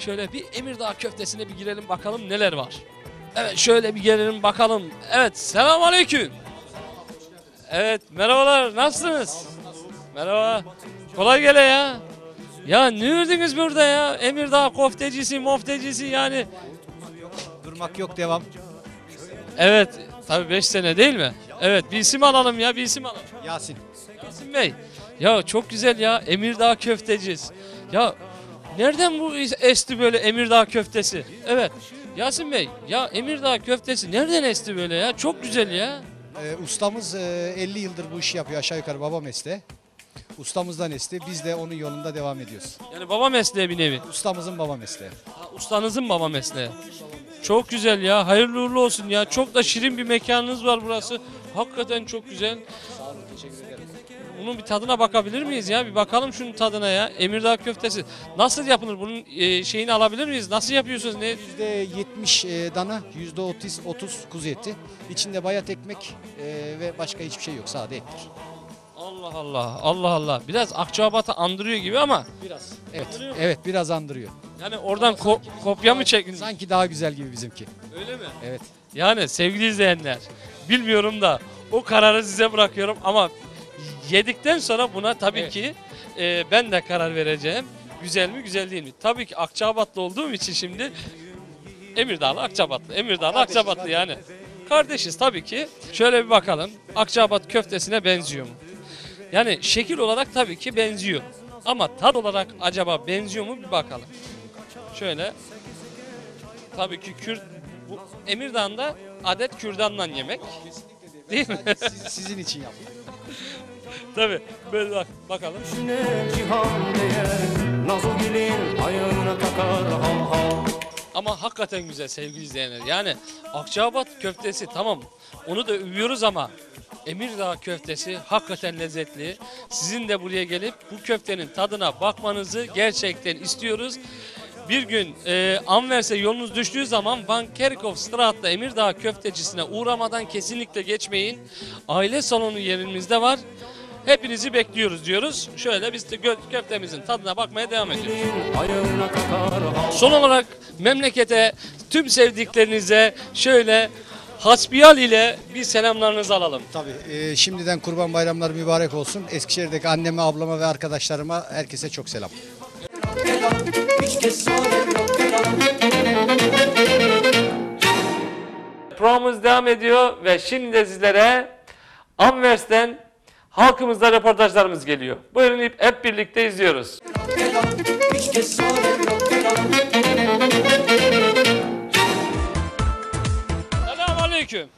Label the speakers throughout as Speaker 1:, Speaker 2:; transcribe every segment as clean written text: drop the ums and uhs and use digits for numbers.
Speaker 1: şöyle bir Emirdağ köftesine bir girelim bakalım neler var. Evet şöyle bir gelelim bakalım. Evet selamünaleyküm. Evet merhabalar nasılsınız? Merhaba. Kolay gele ya. Ya ne ördünüz burada ya? Emirdağ koftecisi, moftecisi yani.
Speaker 2: Durmak yok, devam.
Speaker 1: Evet tabii 5 sene değil mi? Evet bir isim alalım ya, bir isim alalım.
Speaker 2: Yasin.
Speaker 1: Yasin Bey. Ya çok güzel ya, Emirdağ köfteciyiz. Ya nereden bu esti böyle Emirdağ köftesi? Evet. Yasin Bey ya Emirdağ köftesi nereden esti böyle ya? Çok güzel ya.
Speaker 2: Ustamız 50 yıldır bu işi yapıyor, aşağı yukarı baba mesleği. Ustamızdan esti, biz de onun yolunda devam ediyoruz.
Speaker 1: Yani baba mesleği bir nevi.
Speaker 2: Ustamızın baba mesleği.
Speaker 1: Ha, ustanızın baba mesleği. Çok güzel ya. Hayırlı uğurlu olsun ya. Çok da şirin bir mekanınız var burası. Hakikaten çok güzel.
Speaker 2: Sağ olun, teşekkür ederim.
Speaker 1: Bunun bir tadına bakabilir miyiz ya? Bir bakalım şunun tadına ya. Emirdağ köftesi. Nasıl yapılır? Bunun şeyini alabilir miyiz? Nasıl yapıyorsunuz? Ne?
Speaker 2: %70 dana, %30 kuzu eti. İçinde bayat ekmek ve başka hiçbir şey yok, sade ettir.
Speaker 1: Allah Allah. Allah Allah. Biraz Akçabat'ı andırıyor gibi ama.
Speaker 2: Biraz. Evet, biraz andırıyor.
Speaker 1: Yani oradan kopya mı çektiniz?
Speaker 2: Sanki daha güzel gibi bizimki.
Speaker 1: Öyle mi?
Speaker 2: Evet.
Speaker 1: Yani sevgili izleyenler, bilmiyorum da o kararı size bırakıyorum ama yedikten sonra buna tabii
Speaker 2: Evet.
Speaker 1: ki ben de karar vereceğim. Güzel mi güzel değil mi? Tabii ki Akçabatlı olduğum için şimdi Emirdağlı Akçabatlı. Emirdağlı
Speaker 2: Kardeşiz,
Speaker 1: Akçabatlı yani. Kardeşiz tabii ki. Şöyle bir bakalım. Akçabat köftesine benziyor mu? Yani şekil olarak tabii ki benziyor. Ama tat olarak acaba benziyor mu bir bakalım. Şöyle. Tabii ki bu Emirdağ'da adet kürdanla yemek. Değil mi?
Speaker 2: Sizin için yaptım.
Speaker 1: Tabii. Böyle bakalım.
Speaker 3: Cihan değer, Nazogil'in ayağına takar hal hal.
Speaker 1: Ama hakikaten güzel sevgili izleyenler. Yani Akçaabat köftesi tamam. Onu da övüyoruz ama Emirdağ köftesi hakikaten lezzetli. Sizin de buraya gelip bu köftenin tadına bakmanızı gerçekten istiyoruz. Bir gün Anvers'e yolunuz düştüğü zaman Van Kerkhoffstraat'ta Emirdağ köftecisine uğramadan kesinlikle geçmeyin. Aile salonu yerimizde var. Hepinizi bekliyoruz diyoruz. Şöyle biz de köftemizin tadına bakmaya devam ediyoruz.
Speaker 3: Ayağına takar hal.
Speaker 1: Son olarak memlekete, tüm sevdiklerinize şöyle hasbihal ile bir selamlarınızı alalım.
Speaker 2: Tabii. Şimdiden Kurban Bayramları mübarek olsun. Eskişehir'deki anneme, ablama ve arkadaşlarıma herkese çok selam.
Speaker 1: Programımız devam ediyor ve şimdi de sizlere Anvers'ten halkımızla röportajlarımız geliyor. Buyurun hep birlikte izliyoruz. Selamünaleyküm.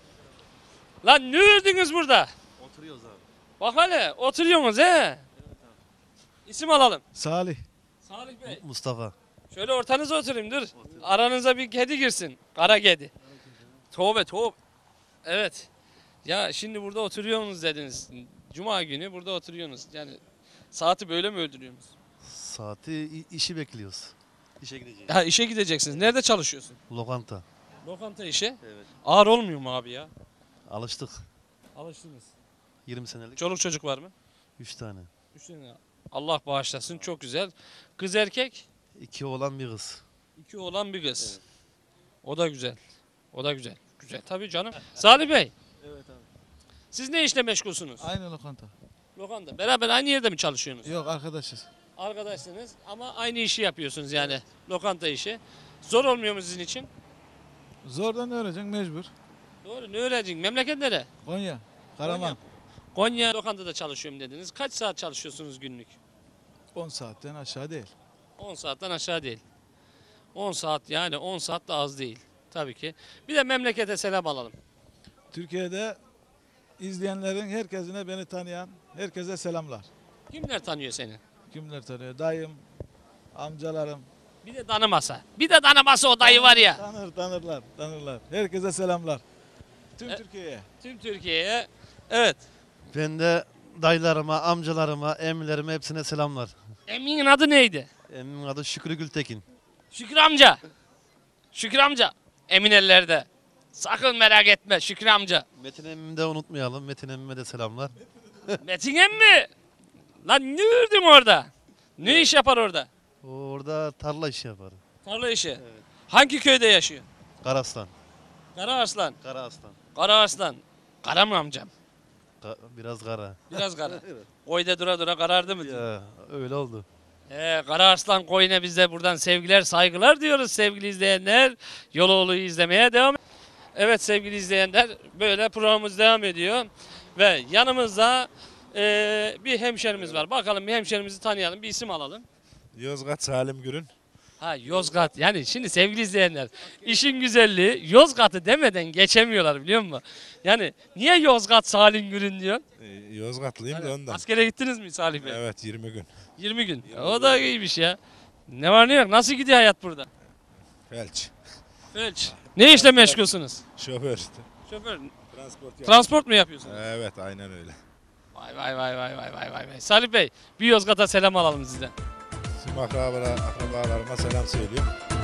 Speaker 1: Lan ne ördünüz burada?
Speaker 4: Oturuyoruz abi.
Speaker 1: Bak hele oturuyorsunuz he. İsim alalım.
Speaker 4: Salih.
Speaker 1: Salih Bey.
Speaker 4: Mustafa.
Speaker 1: Şöyle ortanıza oturayım dur. Aranıza bir kedi girsin. Kara kedi. Tövbe. Evet. Ya şimdi burada oturuyorsunuz dediniz. Cuma günü burada oturuyorsunuz. Yani saati böyle mi öldürüyorsunuz?
Speaker 4: Saati işi bekliyoruz. İşe gideceğiz.
Speaker 1: Ha işe gideceksiniz. Nerede çalışıyorsun?
Speaker 4: Lokanta.
Speaker 1: Lokanta işi.
Speaker 4: Evet.
Speaker 1: Ağır olmuyor mu abi ya?
Speaker 4: Alıştık.
Speaker 1: Alıştınız.
Speaker 4: 20 senelik.
Speaker 1: Çoluk çocuk var mı?
Speaker 4: 3 tane.
Speaker 1: 3 tane. Allah bağışlasın. Çok güzel. Kız erkek?
Speaker 4: 2 oğlan bir kız.
Speaker 1: 2 oğlan bir kız. O da güzel. O da güzel. Güzel tabii canım. Salih Bey.
Speaker 5: Evet abi.
Speaker 1: Siz ne işle meşgulsünüz?
Speaker 5: Aynı lokanta.
Speaker 1: Lokanta. Beraber aynı yerde mi çalışıyorsunuz?
Speaker 5: Yok arkadaşız.
Speaker 1: Arkadaşsınız ama aynı işi yapıyorsunuz yani. Lokanta işi. Zor olmuyor mu sizin için?
Speaker 5: Zordan öğreneceksin mecbur.
Speaker 1: Doğru. Ne öğreneceksin? Memleket nere?
Speaker 5: Konya, Karaman.
Speaker 1: Konya lokantada çalışıyorum dediniz. Kaç saat çalışıyorsunuz günlük?
Speaker 5: 10 saatten aşağı değil.
Speaker 1: 10 saatten aşağı değil. 10 saat yani 10 saat de az değil. Tabii ki. Bir de memlekete selam alalım.
Speaker 5: Türkiye'de izleyenlerin herkesine, beni tanıyan herkese selamlar.
Speaker 1: Kimler tanıyor seni?
Speaker 5: Kimler tanıyor? Dayım, amcalarım.
Speaker 1: Bir de tanımasa. Bir de tanımasa o dayı var ya.
Speaker 5: Tanırlar. Herkese selamlar. Tüm Türkiye'ye.
Speaker 1: Tüm Türkiye'ye. Evet.
Speaker 4: Ben de dayılarıma, amcalarıma, emmilerime hepsine selamlar.
Speaker 1: Emin'in adı neydi?
Speaker 4: Emmimin adı Şükrü Gültekin.
Speaker 1: Şükrü amca. Şükrü amca. Emin ellerde. Sakın merak etme Şükrü amca.
Speaker 4: Metin emmimi de unutmayalım. Metin emmime de selamlar.
Speaker 1: Metin emmi. Lan ne ördün orada? Ne iş yapar orada?
Speaker 4: Orada tarla işi yaparım.
Speaker 1: Tarla işi. Hangi köyde yaşıyor?
Speaker 4: Karaslan.
Speaker 1: Karaaslan.
Speaker 4: Karaaslan.
Speaker 1: Karaaslan. Kara mı amcam?
Speaker 4: Biraz kara.
Speaker 1: Biraz kara. Koyda dura dura karardı mı diyor.
Speaker 4: Ya öyle oldu.
Speaker 1: Karaaslan Koyun'a biz de buradan sevgiler saygılar diyoruz sevgili izleyenler. Yoloğlu'yu izlemeye devam. Evet sevgili izleyenler böyle programımız devam ediyor. Ve yanımızda bir hemşerimiz var. Bakalım bir hemşerimizi tanıyalım. Bir isim alalım.
Speaker 6: Yozgat Salim Gürün.
Speaker 1: Ha Yozgat. Yani şimdi sevgili izleyenler işin güzelliği Yozgat'ı demeden geçemiyorlar biliyor musun? Yani niye Yozgat Salim Gürün diyor?
Speaker 6: Yozgatlıyım da ondan.
Speaker 1: Askere gittiniz mi Salih Bey?
Speaker 6: Evet 20 gün.
Speaker 1: 20 gün. O da iyiymiş ya. Ne var ne yok? Nasıl gidiyor hayat burada?
Speaker 6: Felç.
Speaker 1: Felç. Ne işle meşgulsünüz?
Speaker 6: Şoför işte.
Speaker 1: Şoför.
Speaker 6: Transport
Speaker 1: Transport mu yapıyorsunuz?
Speaker 6: Evet aynen öyle.
Speaker 1: Vay vay vay vay vay vay vay. Salih Bey bir Yozgat'a selam alalım sizden.
Speaker 6: Tüm akrabalarıma selam söylüyorum.